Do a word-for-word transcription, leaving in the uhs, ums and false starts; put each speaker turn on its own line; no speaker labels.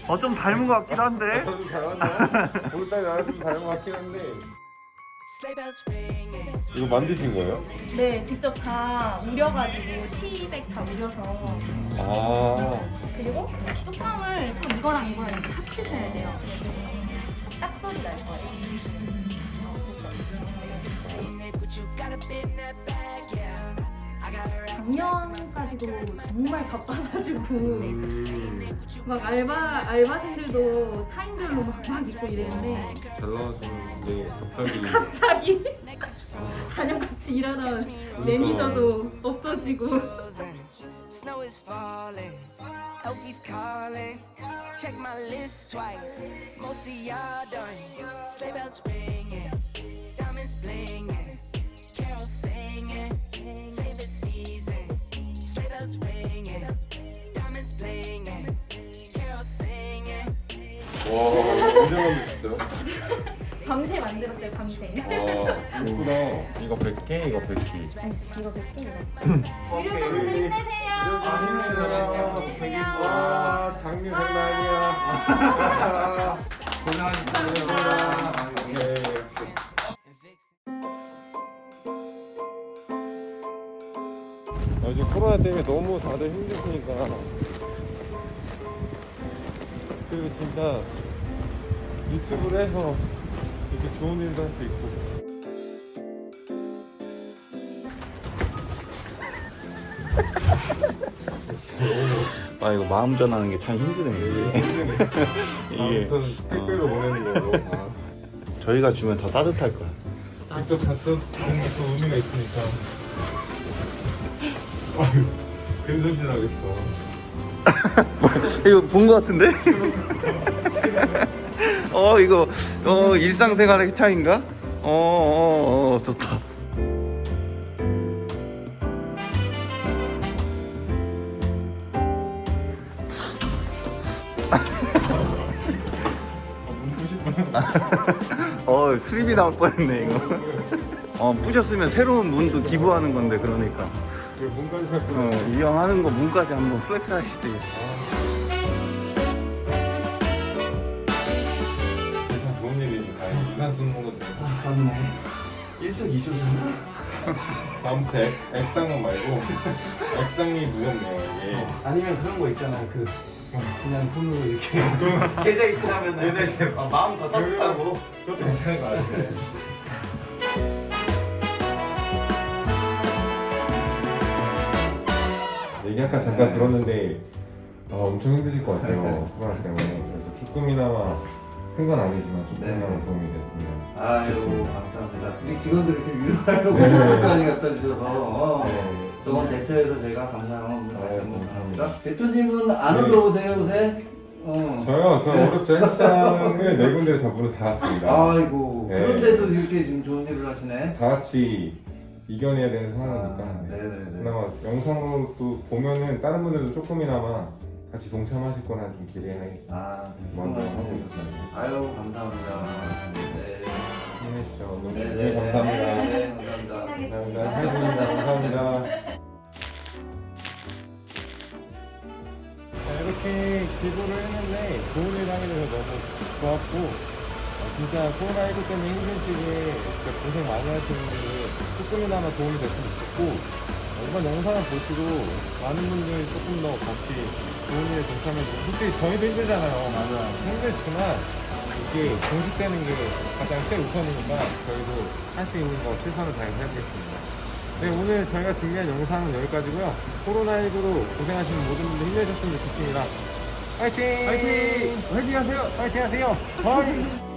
어, 좀 닮은 것 같기도 한데.
저도 닮았나요? 오늘따라 나랑 좀 닮은 것 같긴 한데. 이거 만드신 거예요?
네, 직접 다 우려가지고 티백 다 우려서
아.
그리고 뚜껑을 또 이거랑 이거랑 이렇게 합치셔야 돼요. 딱 소리 날 거예요. 작년까지도 정말 바빠가지고 막 알바 알바생들도 타임별로 막, 막 있고 이랬는데
잘 나왔는데 갑자기
갑자기 가장 같이 일하던 매니저도 없어지고
Snow is falling, Elfie's calling. Check my list twice. Most of y'all done. Sleigh bells ringing, diamonds blinging, carols singing. Favorite season. Sleigh bells ringing, diamonds blinging, carols singing.
와 이거 언제 만드셨어요?
밤새 만들었어요. 밤새.
와 예쁘다. 이거 백 개, 이거 백 개.
이거 몇 개 이거. 유료선수들 힘내세요. 힘내세요.
와 장미 장난 아니야. 고생하셨습니다. 요즘 코로나 때문에 너무 다들 힘드시니까 그리고 진짜 유튜브를 해서 이렇게 좋은 일도 할 수 있고
아, 이거 마음 전하는 게 참 힘드네. 이게
아무튼 택배로 보내는 거고 아,
저희가 주면 더 따뜻할 거야.
직접 갔던 게또 의미가 있으니까 아유 근손실 하겠어.
이거 본 거 같은데? 어, 이거 어 일상생활의 차이인가? 어, 어, 어 좋다. 어, 수리비 나올 뻔했네 이거. 어, 부셨으면 새로운 문도 기부하는 건데 그러니까.
왜 문까지 살
어,
거야?
이 형 하는 거 문까지 한번 플렉스 하시지.
일단 좋은 일이니까 이산 쓰는 것도
맞네. 일석이조잖아.
다음부터 액, 액상은 말고 액상이 무섭네요 이게.
아니면 그런 거 있잖아. 그 그냥 손으로 이렇게 계좌 이체하면 계좌 이체 마음 더 따뜻하고.
그것도 괜찮은 거 같아. 얘기 아까 잠깐 들었는데 어, 엄청 힘드실 것 같아요 코로나 때문에. 그래서 조금이나마 큰 건 아니지만 조금이나마
네.
도움이 됐으면
아이고
좋겠습니다.
감사합니다. 우리 직원들 이렇게 위로하려고
네.
선물까지 갖다 주셔서 어.
네.
저번 대표에서 제가 감사한 마음을 다시
아유,
한번
감사합니다.
감사합니다. 대표님은 안
네.
올라오세요 요새? 어.
저요? 저
네.
어렵죠. 헬스장을 네 군데를 다 문을 닫았습니다.
아이고
네.
그런데도 이렇게 지금 좋은 일을 하시네.
다 같이 이겨내야 되는 상황이니까
아,
네.
네네네.
그나마 영상으로 또 보면은 다른 분들도 조금이나마 같이 동참하실 거라 좀 기대해
아
먼저 하고
정말
있습니다.
아유 감사합니다. 네.
힘내시죠. 너무
네,
네,
네,
감사합니다.
네, 감사합니다.
감사합니다. 해주셔서 감사합니다. 자, 이렇게 기부를 했는데 좋은 일 하게 돼서 너무 좋았고 어, 진짜 코로나십구 때문에 힘든 시기에 진짜 고생 많이 하시는 분들 조금이나마 도움이 됐으면 좋겠고 어, 이번 영상을 보시고 많은 분들이 조금 더 같이 좋은 일에 동참해주고 솔직히 저희도 힘들잖아요.
맞아.
힘들지만 이게 공식되는 게 가장 최우선이니까 저희도 할 수 있는 거 최선을 다해서 해보겠습니다. 네, 오늘 저희가 준비한 영상은 여기까지고요. 코로나십구로 고생하시는 모든 분들 힘내셨으면 좋겠습니다. 화이팅! 화이팅! 화이팅 하세요! 화이팅 하세요! 화이팅!